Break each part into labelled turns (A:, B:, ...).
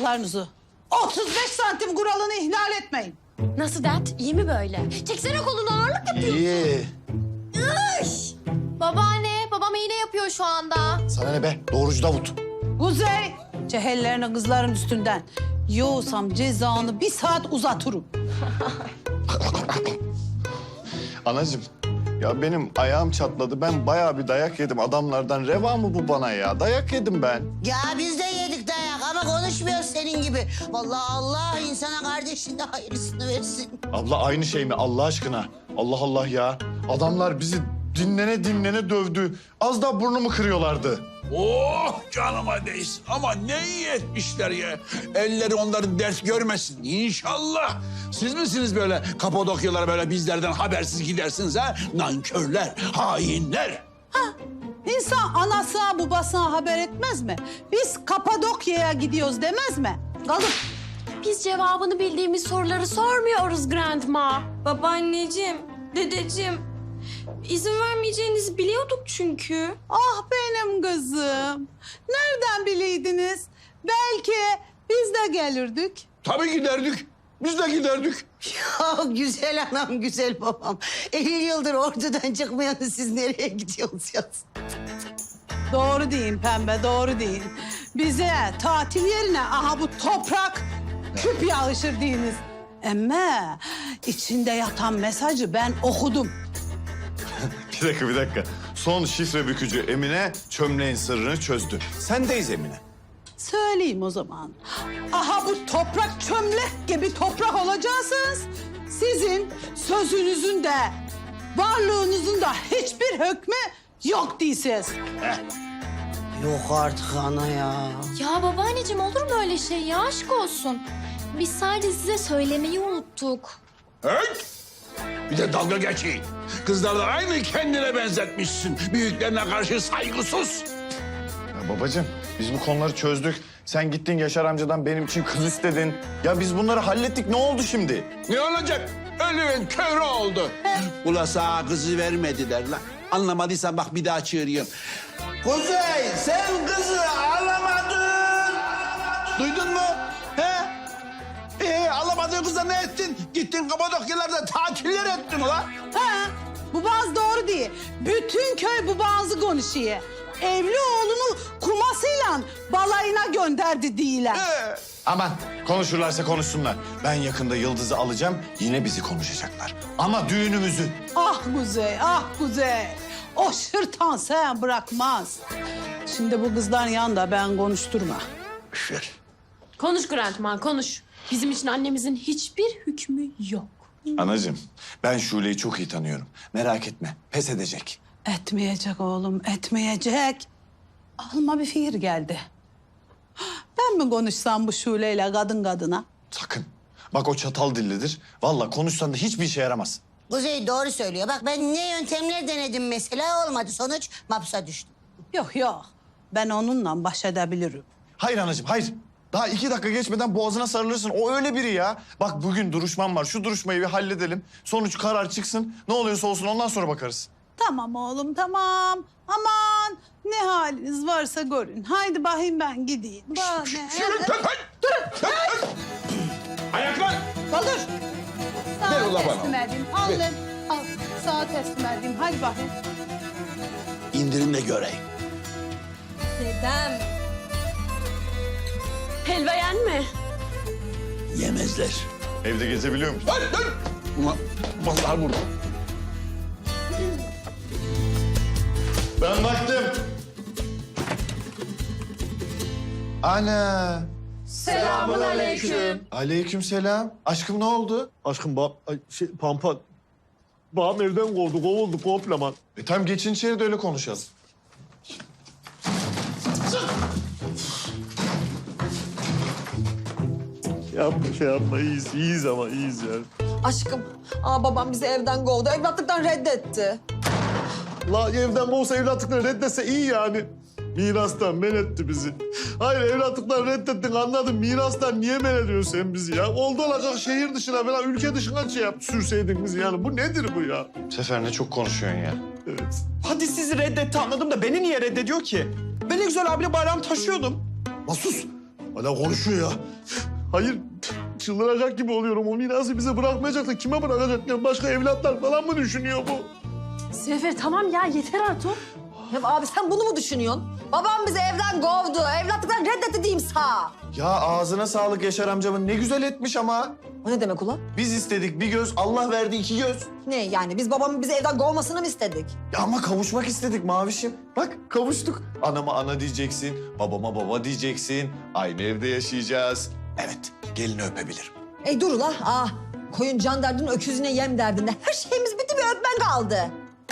A: ayaklarınızı. 35 santim kuralını ihlal etmeyin.
B: Nasıl dert? İyi mi böyle? Çeksene kolunu, ağırlık yapıyorsun.
C: İyi.
B: Iş! Babaanne, babam iğne yapıyor şu anda.
C: Sana ne be? Doğrucu Davut.
A: Kuzey, cehellerini kızların üstünden. Yoğursam cezanı 1 saat uzatırım.
C: Anacığım, ya benim ayağım çatladı. Ben bayağı bir dayak yedim adamlardan. Reva mı bu bana ya? Dayak yedim ben.
D: Ya biz de yedik dayak ama konuşmuyoruz senin gibi. Vallahi Allah insana kardeşinde hayırlısını versin.
C: Abla aynı şey mi Allah aşkına? Allah Allah ya. Adamlar bizi dinlene dinlene dövdü. Az daha burnumu kırıyorlardı.
E: Oh canıma değsin. Ama ne iyi etmişler ya. Elleri onların ders görmesin inşallah. Siz misiniz böyle Kapadokyalara böyle bizlerden habersiz gidersiniz ha? Nankörler, hainler.
A: İnsan anasına babasına haber etmez mi? Biz Kapadokya'ya gidiyoruz demez mi? Kalıp
B: Biz cevabını bildiğimiz soruları sormuyoruz Grandma.
F: Babaanneciğim, dedeciğim. İzin vermeyeceğinizi biliyorduk çünkü.
A: ah benim kızım. Nereden bileydiniz? Belki biz de gelirdik.
E: Tabii giderdik. Biz de giderdik.
D: Ya güzel anam, güzel babam. 50 yıldır ordudan çıkmayanı siz nereye gidiyorsunuz ya?
A: Doğru deyin pembe, doğru deyin. Bize tatil yerine aha bu toprak küp yağışır deyiniz. Ama içinde yatan mesajı ben okudum.
C: Bir dakika. Son şifre bükücü Emine çömleğin sırrını çözdü. Sendeyiz Emine.
A: Söyleyeyim o zaman. Aha bu toprak çömlek gibi toprak olacaksınız. Sizin sözünüzün de varlığınızın da hiçbir hükmü yok değilsiniz.
D: Yok artık ana ya.
B: Ya babaanneciğim olur mu öyle şey ya? Aşk olsun. Biz sadece size söylemeyi unuttuk.
E: Evet. Bir de dalga geçeyim. Kızlar da aynı kendine benzetmişsin. Büyüklerine karşı saygısız.
C: Ya babacığım biz bu konuları çözdük. Sen gittin Yaşar amcadan benim için kız istedin. Ya biz bunları hallettik. Ne oldu şimdi?
E: Ne olacak? Ölümün körü oldu. Ula sana kızı vermediler lan. Anlamadıysan bak bir daha çığırıyorum. Kuzey sen kızı alamadın. Duydun mu? He? Alamadığın kıza ne ettin? Gittin Kapadokyalarda tatiller ettin ulan.
A: Ha, bu bazı doğru değil. Bütün köy bu bazı konuşuyor. Evli oğlunu kumasıyla balayına gönderdi diyorlar.
C: Aman konuşurlarsa konuşsunlar. Ben yakında Yıldız'ı alacağım. Yine bizi konuşacaklar. Ama düğünümüzü.
A: Ah Kuzey, ah Kuzey. O şırtan sen bırakmaz. Şimdi bu kızların yanında ben konuşturma.
E: Şer.
B: Konuş Grandma, konuş. Bizim için annemizin hiçbir hükmü yok.
C: Anacığım ben Şule'yi çok iyi tanıyorum. Merak etme pes edecek.
A: Etmeyecek oğlum, etmeyecek. Aklıma bir fikir geldi. Ben mi konuşsam bu Şule'yle kadın kadına?
C: Sakın. Bak o çatal dillidir. Vallahi konuşsan da hiçbir işe yaramaz.
D: Kuzey doğru söylüyor. Bak ben ne yöntemler denedim mesela, olmadı. Sonuç mapsa düştüm.
A: Yok yok, ben onunla baş edebilirim.
C: Hayır anacığım hayır. Daha 2 dakika geçmeden boğazına sarılırsın. O öyle biri ya. Bak bugün duruşmam var. Şu duruşmayı bir halledelim. Sonuç karar çıksın. Ne oluyorsa olsun ondan sonra bakarız.
A: Tamam oğlum, tamam. Aman ne haliniz varsa görün. Haydi bakayım ben gideyim. Bana
E: Durun. Ayaklar.
A: Kaldır. Sağa
E: Ver ulan bana.
A: teslim edeyim. Al lan. Al. Sağa teslim edeyim. Haydi bakayım.
E: İndirin de göreyim.
F: Dedem.
B: Helva yenme.
E: Yemezler.
C: Evde gezebiliyor musun?
E: Dur. Ulan vallahi burada.
C: Ben baktım. Ana.
B: Selamünaleyküm.
C: Aleykümselam. Aşkım ne oldu?
G: Aşkım Pampa. Babam evden kovuldu komple.
C: Tam geçin içeri de öyle konuşalım.
G: Yapma iyiyiz ama iyiyiz yani.
H: Aşkım, babam bizi evden kovdu. Evlatlıktan reddetti.
G: La evden kovsa evlatlıkları reddetse iyi yani. Mirastan men etti bizi. Hayır evlatlıktan reddettin anladım. Mirastan niye men ediyorsun sen bizi ya? Oldu olacak şehir dışına falan ülke dışına sürseydin bizi yani. Bu nedir bu ya?
C: Sefer ne çok konuşuyorsun ya.
G: Evet.
I: Hadi sizi reddetti anladım da beni niye reddediyor ki? Ben ne güzel abiyle bayram taşıyordum.
G: La sus. Hala konuşuyor ya. Hayır, çıldıracak gibi oluyorum. O mirası bize bırakmayacak da kime bırakacak? Ya başka evlatlar falan mı düşünüyor bu?
H: Sefer tamam ya yeter artık. Ya abi sen bunu mu düşünüyorsun? Babam bizi evden kovdu. Evlatlıktan reddetti diyeyim sağ.
C: Ya ağzına sağlık Yaşar amcamın. Ne güzel etmiş ama.
H: O ne demek ulan?
C: Biz istedik bir göz, Allah verdi iki göz.
H: Ne yani biz babamın bizi evden kovmasını mı istedik?
C: Ya ama kavuşmak istedik Mavişim. Bak kavuştuk. Anama ana diyeceksin, babama baba diyeceksin. Aynı evde yaşayacağız. Evet, gelini öpebilirim.
H: Dur ula. Koyun can derdin, öküzüne yem derdinde. Her şeyimiz bitti, bir öpmen kaldı.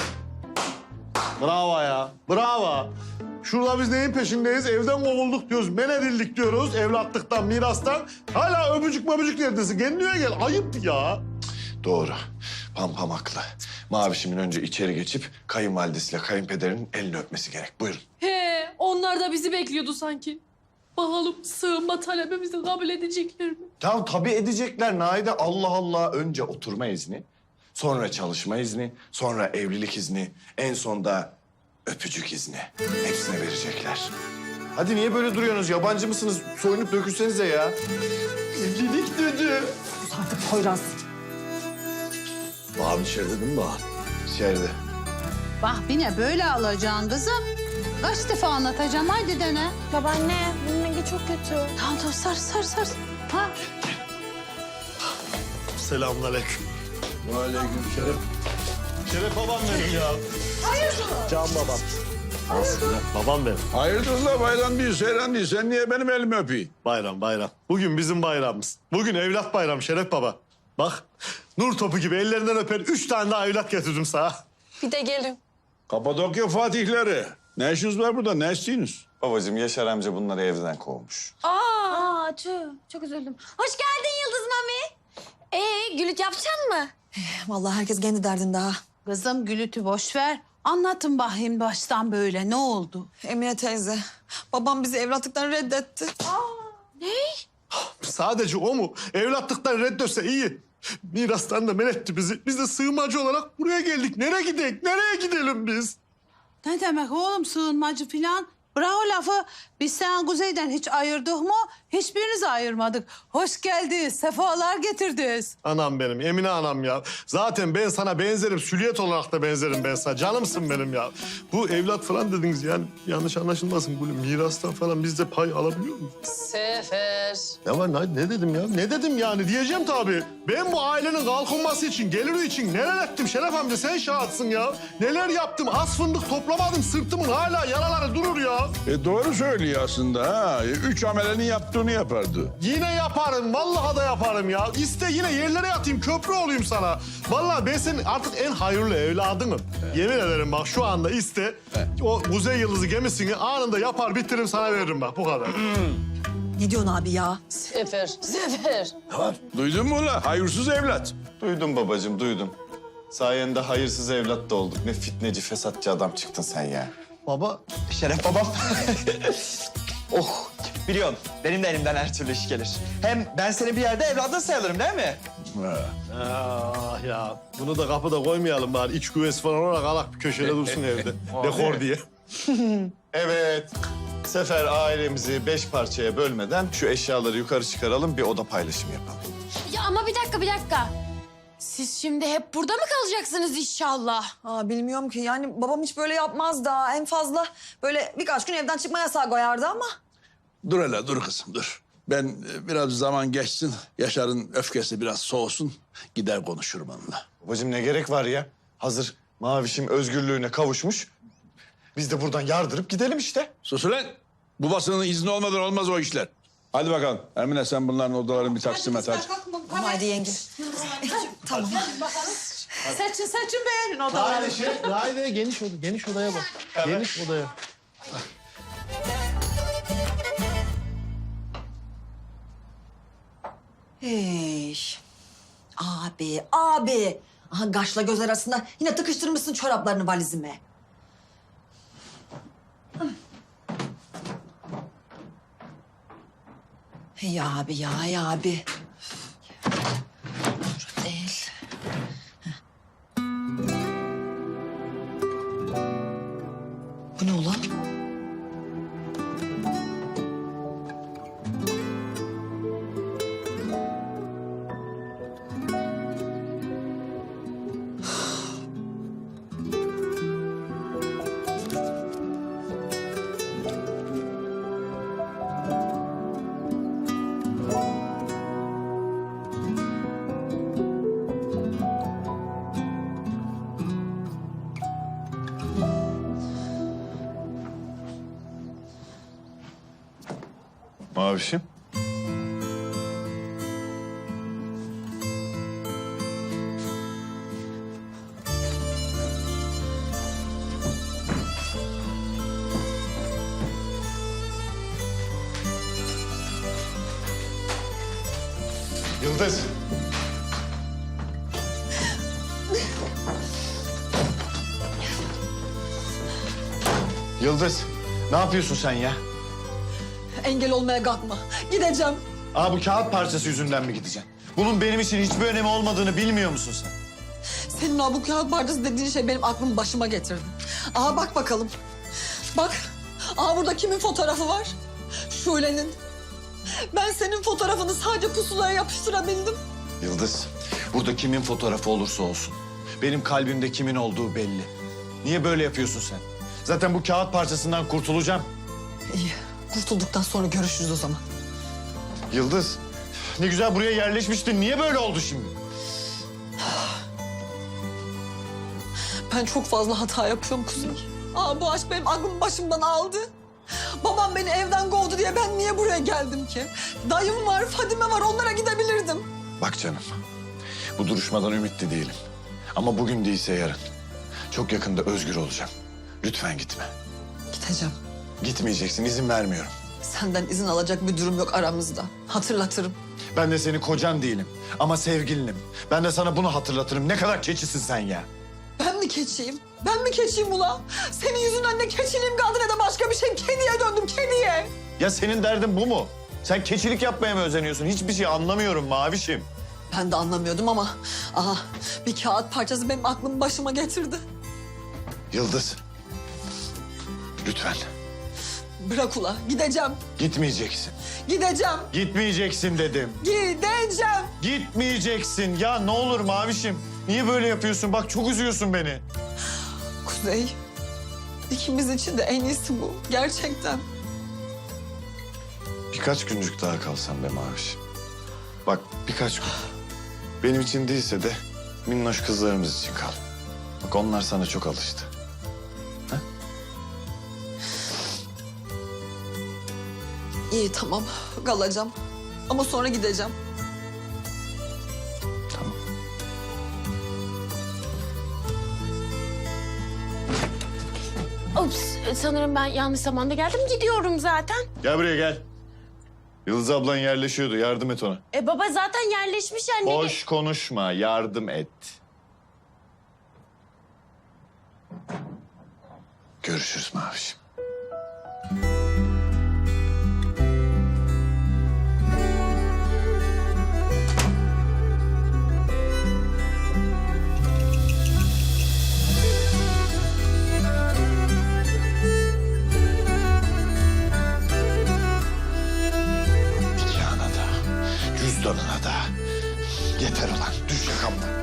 G: Bravo ya, bravo. Şurada biz neyin peşindeyiz? Evden kovulduk diyoruz, men edildik diyoruz. Evlatlıktan, mirastan. Hala öpücük möpücük neredesin? Kendine gel, ayıp ya.
C: Doğru. Pampam haklı. Mavişimin önce içeri geçip kayınvalidesiyle kayınpederinin elini öpmesi gerek. Buyurun.
F: He, onlar da bizi bekliyordu sanki. Bakalım sığınma talebimizi kabul edecekler mi?
C: Ya tabii edecekler Naide. Allah Allah. Önce oturma izni, sonra çalışma izni, sonra evlilik izni, en sonda öpücük izni. Hepsine verecekler. Hadi niye böyle duruyorsunuz? Yabancı mısınız? Soyunup dökülsenize ya. Evlilik dedi.
H: Sus artık Poyraz.
G: Bağım içeride değil mi Bağım?
C: İçeride.
A: Bak yine böyle alacaksın kızım. Kaç defa anlatacağım haydi dene.
F: Babaanne, bunun rengi çok kötü.
A: Tamam sar. Ha?
G: Selamünaleyküm.
E: Aleyküm selam.
G: Şeref babam benim ya. Hayırdır? Can babam. Aslında babam benim.
E: Hayırdır la bayram değil, seyran değil. Sen niye benim elimi öpeyim?
G: Bayram. Bugün bizim bayramımız. Bugün evlat bayramı Şeref baba. Bak, nur topu gibi ellerinden öper 3 tane daha evlat getirdim sana.
F: Bir de gelin.
E: Kapadokya fatihleri. Ne işiniz var burada? Ne istiyorsunuz?
C: Babacığım Yaşar amca bunları evden kovmuş.
F: Aa, çok üzüldüm. Hoş geldin Yıldız Mami. Gülüt yapacaksın mı?
H: Vallahi herkes kendi derdinde ha.
A: Kızım gülütü boş ver. Anlatın bakayım baştan böyle ne oldu?
H: Emine teyze, babam bizi evlatlıktan reddetti.
G: Sadece o mu? Evlatlıktan reddetse iyi. Mirastan da men etti bizi. Biz de sığınmacı olarak buraya geldik. Nereye gidelim? Nereye gidelim biz?
A: Ne demek oğlum sığınmacı filan? Bırak o lafı. Biz sen Kuzey'den hiç ayırdık mı? Hiçbirinizi ayırmadık. Hoş geldiniz, sefalar getirdiniz.
G: Anam benim, Emine anam ya. Zaten ben sana benzerim, süliyet olarak da benzerim ben sana. Canımsın benim ya. Bu evlat falan dediniz yani yanlış anlaşılmasın. Bu mirastan falan biz de pay alabiliyor muyuz?
H: Sefer.
G: Ne var ne dedim ya? Ne dedim yani diyeceğim tabii. Ben bu ailenin kalkınması için, geliri için neler ettim Şeref amca sen şahitsın ya. Neler yaptım, az fındık toplamadım sırtımın hala yaraları durur ya.
E: Doğru söylüyor aslında ha. 3 amelenin yaptığını yapardı.
G: Yine yaparım, vallahi da yaparım ya. İste yine yerlere yatayım, köprü olayım sana. Vallahi ben senin artık en hayırlı evladınım. Yemin ederim bak şu anda iste. O Kuzey Yıldızı gemisini anında yapar bitiririm sana veririm bak bu kadar.
H: Ne diyorsun abi ya?
F: Sefer.
E: Duydun mu la? Hayırsız evlat.
C: Duydum babacığım, duydum. Sayende hayırsız evlat da olduk. Ne fitneci, fesatçı adam çıktın sen ya.
G: Baba,
I: Şeref babam. Oh, biliyorum. Benim de elimden her türlü iş gelir. Hem ben senin bir yerde evladın sayılırım değil mi?
G: ah ya bunu da kapıda koymayalım bari. İç güvesi falan olarak alak bir köşede dursun evde. Dekor diye.
C: Evet. Sefer ailemizi 5 parçaya bölmeden şu eşyaları yukarı çıkaralım, bir oda paylaşımı yapalım.
F: Ya ama bir dakika. Siz şimdi hep burada mı kalacaksınız inşallah?
H: Bilmiyorum ki yani babam hiç böyle yapmaz da en fazla böyle birkaç gün evden çıkma yasağı koyardı ama.
E: Dur hele dur kızım dur. Ben biraz zaman geçsin. Yaşar'ın öfkesi biraz soğusun. Gider konuşurum onunla.
C: Babacığım ne gerek var ya? Hazır Mavişim özgürlüğüne kavuşmuş. Biz de buradan yardırıp gidelim işte.
E: Sus ulan. Babasının izni olmadan olmaz o işler. Hadi bakalım. Emine sen bunların odalarını bir taksim et hadi.
H: Haydi yenge. Tamam.
A: Seçin beğenin odaları.
G: Haydi geniş odaya bak. Geniş odaya.
H: Hey. Abi. Aha kaşla göz arasında yine tıkıştırmışsın çoraplarını valizime. Hey abi. Şu değil. Bu ne ulan?
C: Mavişim. Yıldız. Yıldız, ne yapıyorsun sen ya?
H: Engel olmaya kalkma. Gideceğim.
C: Aa, bu kağıt parçası yüzünden mi gideceksin? Bunun benim için hiçbir önemi olmadığını bilmiyor musun sen?
H: Senin o bu kağıt parçası dediğin şey benim aklımı başıma getirdi. Aha bak bakalım. Bak. Aha burada kimin fotoğrafı var? Şule'nin. Ben senin fotoğrafını sadece pusulaya yapıştırabildim.
C: Yıldız, burada kimin fotoğrafı olursa olsun, benim kalbimde kimin olduğu belli. Niye böyle yapıyorsun sen? Zaten bu kağıt parçasından kurtulacağım.
H: İyi. Kurtulduktan sonra görüşürüz o zaman.
C: Yıldız, ne güzel buraya yerleşmiştin. Niye böyle oldu şimdi?
H: Ben çok fazla hata yapıyorum Kuzey. Aa, bu aşk benim aklımı başımdan aldı. Babam beni evden kovdu diye ben niye buraya geldim ki? Dayım var, Fadime var, onlara gidebilirdim.
C: Bak canım, bu duruşmadan ümitli değilim. Ama bugün değilse yarın. Çok yakında özgür olacağım. Lütfen gitme.
H: Gideceğim.
C: Gitmeyeceksin, izin vermiyorum.
H: Senden izin alacak bir durum yok aramızda. Hatırlatırım.
C: Ben de senin kocan değilim ama sevgilinim. Ben de sana bunu hatırlatırım. Ne kadar keçisin sen ya.
H: Ben mi keçiyim? Ben mi keçiyim ula? Senin yüzünden ne keçiliğim kaldı ne de başka bir şey. Kediye döndüm, kediye.
C: Ya senin derdin bu mu? Sen keçilik yapmaya mı özeniyorsun? Hiçbir şey anlamıyorum Mavişim.
H: Ben de anlamıyordum ama... Aha, bir kağıt parçası benim aklımı başıma getirdi.
C: Yıldız, lütfen
H: Bırak ula, gideceğim.
C: gitmeyeceksin.
H: Gideceğim.
C: Gitmeyeceksin dedim.
H: Gideceğim.
C: Gitmeyeceksin. Ya ne olur Mavişim. Niye böyle yapıyorsun? Bak çok üzüyorsun beni.
H: Kuzey, ikimiz için de en iyisi bu. Gerçekten.
C: Birkaç güncük daha kalsam be Mavişim. Bak birkaç gün. Benim için değilse de minnoş kızlarımız için kal. Bak onlar sana çok alıştı.
H: İyi tamam, kalacağım. Ama sonra gideceğim.
C: Tamam.
F: Ups, sanırım ben yanlış zamanda geldim. Gidiyorum zaten.
C: Gel buraya gel. Yıldız ablan yerleşiyordu. Yardım et ona.
F: Baba zaten yerleşmiş yani.
C: Boş konuşma. Yardım et. Görüşürüz Mavişim. Nikahına da, cüzdanına da. Yeter ulan. Düş yakamdan.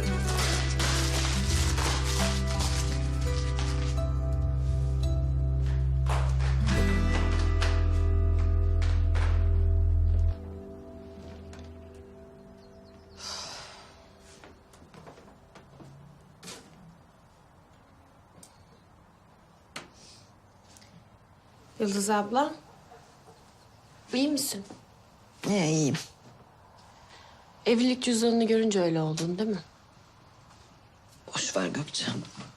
F: Yıldız abla, iyi misin?
H: İyiyim.
F: Evlilik cüzdanını görünce öyle oldun değil mi?
H: Boş ver Gökçe.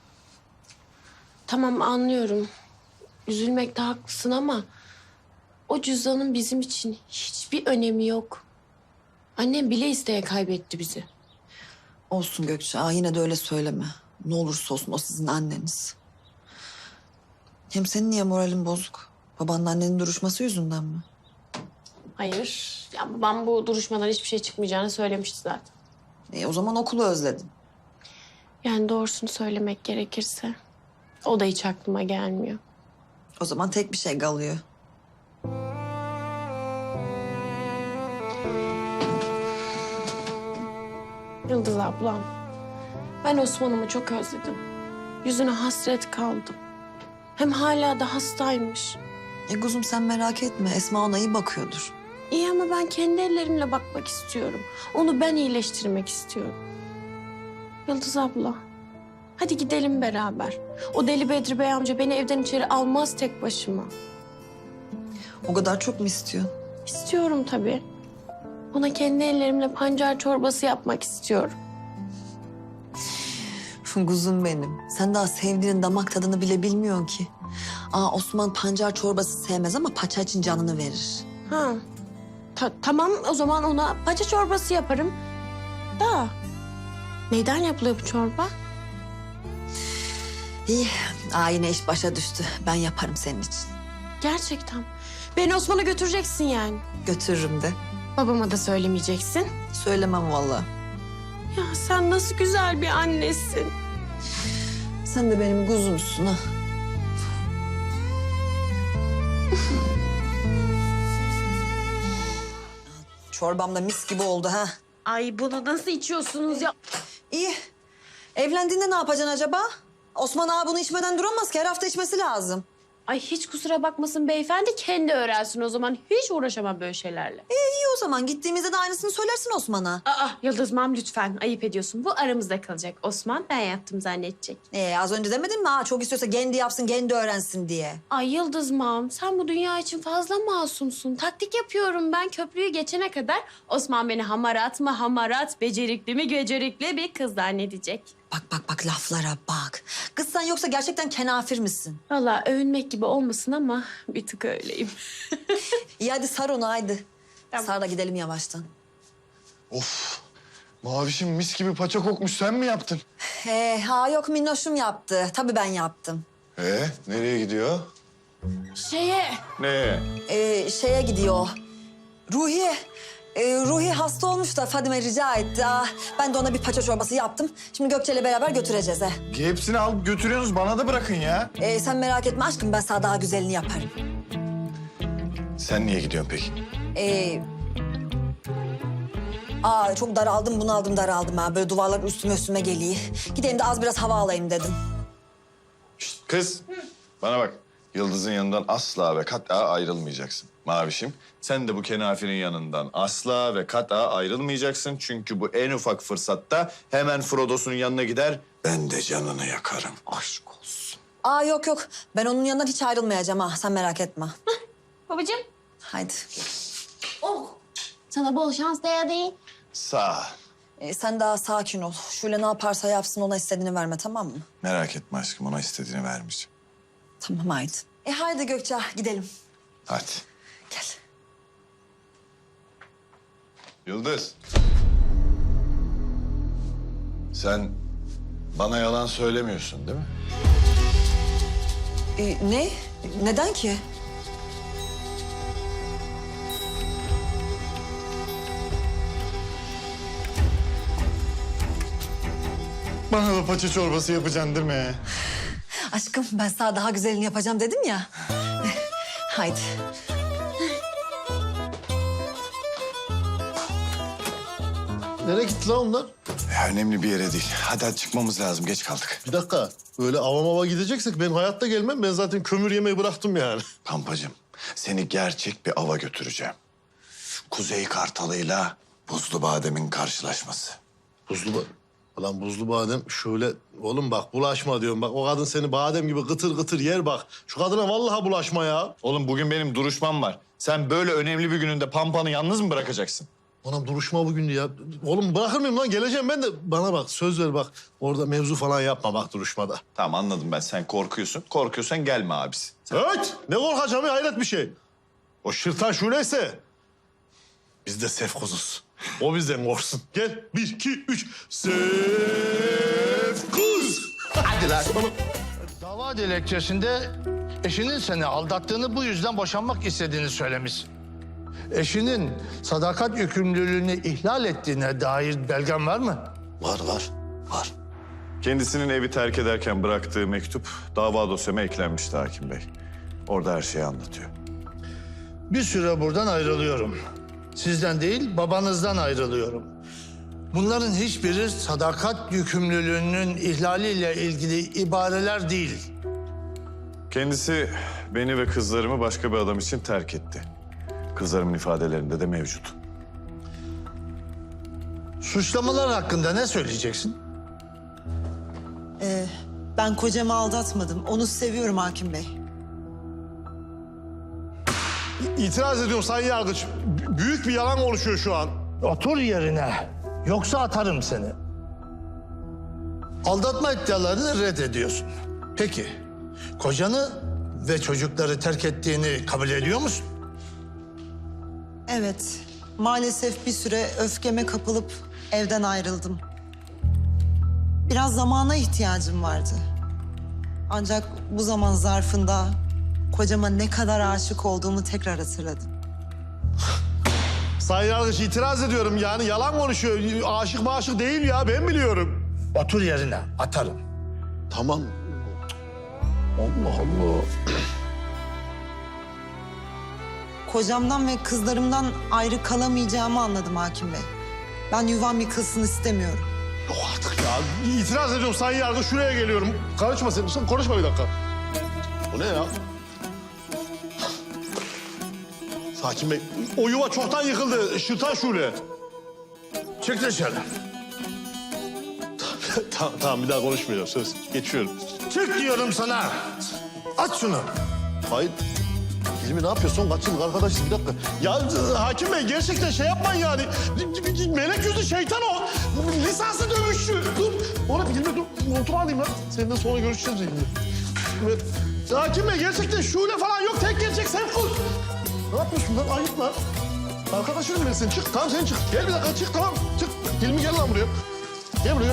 F: Tamam anlıyorum. Üzülmekte haklısın ama... ...o cüzdanın bizim için hiçbir önemi yok. Annem bile isteye kaybetti bizi.
H: Olsun Gökçe. Yine de öyle söyleme. Ne olursa olsun o sizin anneniz. Hem senin niye moralin bozuk? Babanla annenin duruşması yüzünden mi?
F: Hayır. Ya babam bu duruşmadan hiçbir şey çıkmayacağını söylemişti zaten.
H: O zaman okulu özledin.
F: Yani doğrusunu söylemek gerekirse... ...o da hiç aklıma gelmiyor.
H: O zaman tek bir şey kalıyor.
F: Yıldız ablam, ben Osman'ımı çok özledim. Yüzüne hasret kaldım. Hem hala da hastaymış.
H: Kuzum sen merak etme. Esma ona iyi bakıyordur.
F: İyi ama ben kendi ellerimle bakmak istiyorum. Onu ben iyileştirmek istiyorum. Yıldız abla, hadi gidelim beraber. O deli Bedri Bey amca beni evden içeri almaz tek başıma.
H: O kadar çok mu istiyorsun?
F: İstiyorum tabii. Ona kendi ellerimle pancar çorbası yapmak istiyorum.
H: Kuzum benim. Sen daha sevdiğinin damak tadını bile bilmiyorsun ki. Osman pancar çorbası sevmez ama paça için canını verir.
F: Ha. Tamam o zaman ona paça çorbası yaparım. Da neyden yapılıyor bu çorba?
H: İyi. Yine iş başa düştü. Ben yaparım senin için.
F: Gerçekten. Beni Osman'a götüreceksin yani.
H: Götürürüm de.
F: Babama da söylemeyeceksin.
H: Söylemem vallahi.
F: Ya sen nasıl güzel bir annesin.
H: Sen de benim kuzumsun ha. Çorbam da mis gibi oldu ha.
F: Ay bunu nasıl içiyorsunuz ya?
H: İyi. Evlendiğinde ne yapacaksın acaba? Osman ağa bunu içmeden duramaz ki. Her hafta içmesi lazım.
F: Ay hiç kusura bakmasın beyefendi kendi öğrensin o zaman. Hiç uğraşamam böyle şeylerle.
H: İyi o zaman. Gittiğimizde de aynısını söylersin Osman'a.
F: Yıldız mam lütfen ayıp ediyorsun. Bu aramızda kalacak. Osman ben yaptım zannedecek.
H: Az önce demedin mi? Çok istiyorsa kendi yapsın, kendi öğrensin diye.
F: Ay Yıldız mam sen bu dünya için fazla masumsun. Taktik yapıyorum ben köprüyü geçene kadar. Osman beni hamarat mı hamarat, becerikli mi becerikli bir kız zannedecek.
H: Bak laflara bak. Kız sen yoksa gerçekten kenafir misin?
F: Vallahi övünmek gibi olmasın ama bir tık öyleyim.
H: İyi hadi sar onu haydi.
F: Tamam.
H: Sar da gidelim yavaştan.
C: Of. Mavişim mis gibi paça kokmuş. Sen mi yaptın?
H: Yok minnoşum yaptı. Tabii ben yaptım.
C: Nereye gidiyor? Ne?
H: Şeye gidiyor. Ruhi. Ruhi hasta olmuş da Fadime rica etti. Ben de ona bir paça çorbası yaptım. Şimdi Gökçe'yle beraber götüreceğiz he.
C: Hepsini alıp götürüyorsunuz. Bana da bırakın ya.
H: Sen merak etme aşkım ben sana daha güzelini yaparım.
C: Sen niye gidiyorsun peki?
H: Çok daraldım bunaldım daraldım ha. Böyle duvarlar üstüme geliyor. Gideyim de az biraz hava alayım dedim.
C: Şişt, kız. Bana bak. Yıldız'ın yanından asla ve kat'a ayrılmayacaksın. Mavişim, sen de bu kenafirin yanından asla ve kat'a ayrılmayacaksın. Çünkü bu en ufak fırsatta hemen Frodo'sun yanına gider. Ben de canını yakarım. Aşk olsun.
H: Yok. Ben onun yanından hiç ayrılmayacağım ha. Sen merak etme.
B: Babacığım.
H: Haydi.
B: Sana bol şans değil.
C: Sağ ol.
H: Sen daha sakin ol. Şöyle ne yaparsa yapsın ona istediğini verme tamam mı?
C: Merak etme aşkım, ona istediğini vermeyeceğim.
H: Tamam haydi. Haydi Gökçe gidelim.
C: Hadi.
H: Gel.
C: Yıldız. Sen bana yalan söylemiyorsun değil mi?
H: Ne? Neden ki?
G: Bana da paça çorbası yapacaksın değil mi?
H: Aşkım ben sana daha güzelini yapacağım dedim ya. Haydi.
G: Nereye gitti lan onlar?
C: Önemli bir yere değil. Hadi çıkmamız lazım. Geç kaldık.
G: Bir dakika. Öyle ava gideceksek ben hayatta gelmem. Ben zaten kömür yemeyi bıraktım yani.
C: Pampacığım, seni gerçek bir ava götüreceğim. Kuzey Kartalı'yla Buzlu Badem'in karşılaşması.
G: Lan buzlu badem şöyle... Oğlum bak bulaşma diyorum. Bak o kadın seni badem gibi kıtır kıtır yer bak. Şu kadına vallahi bulaşma ya.
C: Oğlum bugün benim duruşmam var. Sen böyle önemli bir gününde Pampa'nı yalnız mı bırakacaksın?
G: Anam duruşma bugün ya. Oğlum bırakır mıyım lan? Geleceğim ben de. Bana bak söz ver bak. Orada mevzu falan yapma bak duruşmada.
C: Tamam anladım ben. Sen korkuyorsun. Korkuyorsan gelme abisi.
G: Evet. Ne korkacağım ya hayret bir şey. O şırtan şöyleyse biz de sefkuzuz. O bizden korksun. Gel. 1, 2, 3. Sefkuz. Hadi lan.
J: Dava dilekçesinde eşinin seni aldattığını bu yüzden boşanmak istediğini söylemiş. Eşinin sadakat yükümlülüğünü ihlal ettiğine dair belgen var mı?
G: Var.
C: Kendisinin evi terk ederken bıraktığı mektup dava dosyama eklenmişti Hakim Bey. Orada her şeyi anlatıyor.
J: Bir süre buradan ayrılıyorum. Sizden değil, babanızdan ayrılıyorum. Bunların hiçbiri sadakat yükümlülüğünün ihlaliyle ilgili ibareler değil.
C: Kendisi beni ve kızlarımı başka bir adam için terk etti. Kızlarımın ifadelerinde de mevcut.
J: Suçlamalar hakkında ne söyleyeceksin?
K: Ben kocamı aldatmadım. Onu seviyorum Hakim Bey.
G: İtiraz ediyorum Sayın Yargıç. Büyük bir yalan oluşuyor şu an.
J: Otur yerine. Yoksa atarım seni. Aldatma iddialarını reddediyorsun. Peki, kocanı ve çocukları terk ettiğini kabul ediyor musun?
H: Evet, maalesef bir süre öfkeme kapılıp evden ayrıldım. Biraz zamana ihtiyacım vardı. Ancak bu zaman zarfında kocama ne kadar aşık olduğumu tekrar hatırladım.
G: Sayın Yargıç itiraz ediyorum yani yalan konuşuyor. Aşık maşık değil ya ben biliyorum.
J: Otur yerine, atarım.
G: Tamam. Allah Allah.
H: Kocamdan ve kızlarımdan ayrı kalamayacağımı anladım hakim bey. Ben yuvam yıkılsın istemiyorum.
G: Yok artık ya. İtiraz ediyorum Sayın Yargıç şuraya geliyorum. Karışma sen konuşma bir dakika. Bu ne ya? Hakim Bey, o yuva çoktan yıkıldı. Şırtan Şule.
J: Çık dışarı.
G: Tamam bir daha konuşmayacağım söz. Geçiyorum.
J: Çık diyorum sana. At şunu.
G: Hayır. Hilmi ne yapıyorsun? Kaç yıllık arkadaşız bir dakika. Ya hakim bey gerçekten şey yapmayın yani. Melek yüzlü şeytan o. Lisanslı dövüşçü. Dur. Oğlum Hilmi dur. Otur alayım lan. Seninle sonra görüşeceğiz Hilmi. Hakim bey gerçekten şule falan yok. Tek gerçek Sefkut. Ne yapıyorsun lan? Ayıp lan. Arkadaşım ben sen çık. Tamam sen çık. Gel bir dakika çık tamam. Çık. Hilmi gel lan buraya. Gel buraya.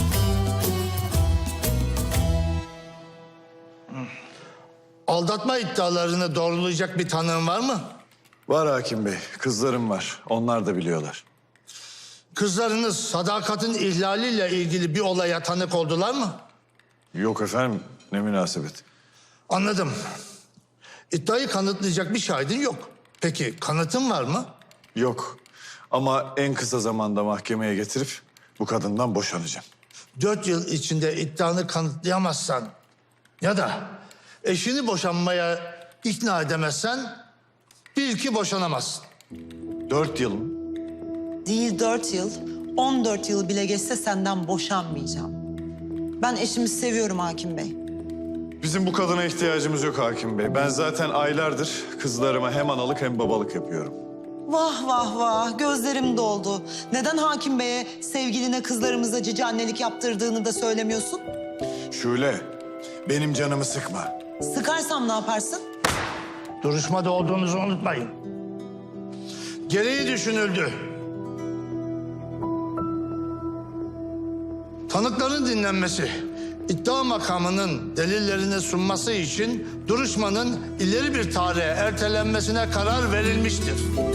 J: Aldatma iddialarını doğrulayacak bir tanığın var mı?
C: Var hakim bey, kızlarım var. Onlar da biliyorlar.
J: Kızlarınız sadakatin ihlaliyle ilgili bir olaya tanık oldular mı?
C: Yok efendim, ne münasebet.
J: Anladım. İddiayı kanıtlayacak bir şahidin yok. Peki kanıtın var mı?
C: Yok. Ama en kısa zamanda mahkemeye getirip bu kadından boşanacağım.
J: 4 yıl içinde iddianı kanıtlayamazsan ya da eşini boşanmaya ikna edemezsen bil ki boşanamazsın.
C: 4 yıl mı?
H: Değil 4 yıl, 14 yıl bile geçse senden boşanmayacağım. Ben eşimi seviyorum hakim bey.
C: Bizim bu kadına ihtiyacımız yok hakim bey. Ben zaten aylardır kızlarıma hem analık hem babalık yapıyorum.
H: Vah vah vah, gözlerim doldu. Neden hakim beye sevgiline kızlarımıza cici annelik yaptırdığını da söylemiyorsun?
C: Şule, benim canımı sıkma.
H: Sıkarsam ne yaparsın?
J: Duruşmada olduğunuzu unutmayın. Gereği düşünüldü. Tanıkların dinlenmesi, iddia makamının delillerini sunması için duruşmanın ileri bir tarihe ertelenmesine karar verilmiştir.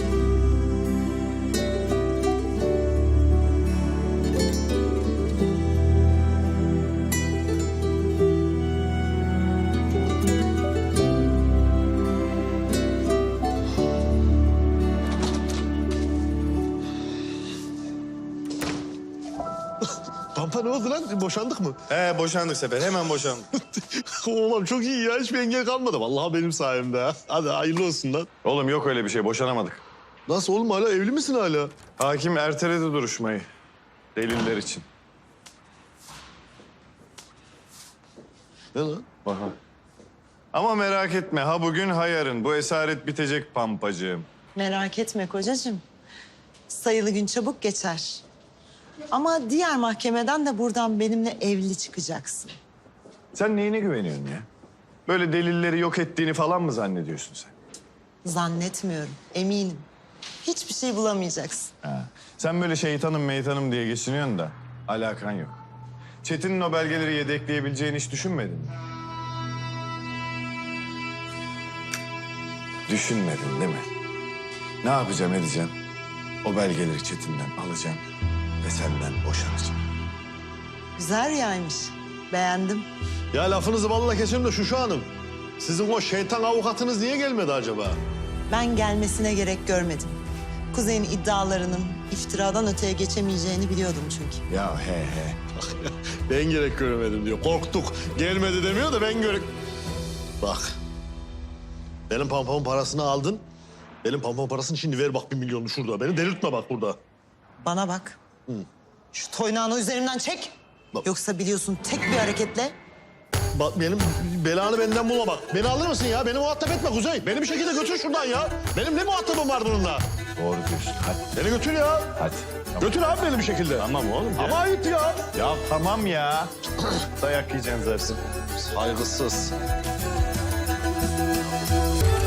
G: Pampa ne oldu lan? Boşandık mı?
C: He boşandık Sefer, hemen boşandık.
G: Oğlum çok iyi ya. Hiçbir engel kalmadı. Vallahi benim sayemde ha. Hadi hayırlı olsun lan.
C: Oğlum yok öyle bir şey, boşanamadık.
G: Nasıl oğlum hala evli misin hala?
C: Hakim erteledi duruşmayı. Deliller için.
G: Ne lan?
C: Aha. Ama merak etme, ha bugün ha yarın. Bu esaret bitecek pampacığım.
H: Merak etme kocacığım. Sayılı gün çabuk geçer. Ama diğer mahkemeden de buradan benimle evli çıkacaksın.
C: Sen neyine güveniyorsun ya? Böyle delilleri yok ettiğini falan mı zannediyorsun sen?
H: Zannetmiyorum, eminim. Hiçbir şey bulamayacaksın.
C: Ha. Sen böyle şeytanım meytanım diye geçiniyorsun da alakan yok. Çetin'in o belgeleri yedekleyebileceğini hiç düşünmedin mi? Düşünmedin değil mi? Ne yapacağım edeceğim? O belgeleri Çetin'den alacağım ve senden boşanacağım.
H: Güzel rüyaymış. Beğendim.
G: Ya lafınızı balla keserim de Şuşu Hanım. Sizin o şeytan avukatınız niye gelmedi acaba?
H: Ben gelmesine gerek görmedim. Kuzey'in iddialarının iftiradan öteye geçemeyeceğini biliyordum çünkü.
C: Ya he.
G: Ben gerek göremedim diyor. Korktuk. Gelmedi demiyor da ben gerek... Bak. Benim pampamın parasını aldın. Benim pampamın parasını şimdi ver bak 1 milyonu şurada. Beni delirtme bak burada.
H: Bana bak. Şu toynağını üzerimden çek.
G: Bak.
H: Yoksa biliyorsun tek bir hareketle
G: Bak benim belanı benden bulma bak. Beni alır mısın ya? Beni muhatap etme Kuzey. Beni bir şekilde götür şuradan ya. Benim ne muhatabım var bununla?
C: Doğru diyorsun. Hadi.
G: Beni götür ya.
C: Hadi.
G: Götür abi beni bir şekilde.
C: Tamam oğlum.
G: Ama ayıp ya.
C: Ya tamam ya. Dayak yiyeceksin zaten.
G: Saygısız.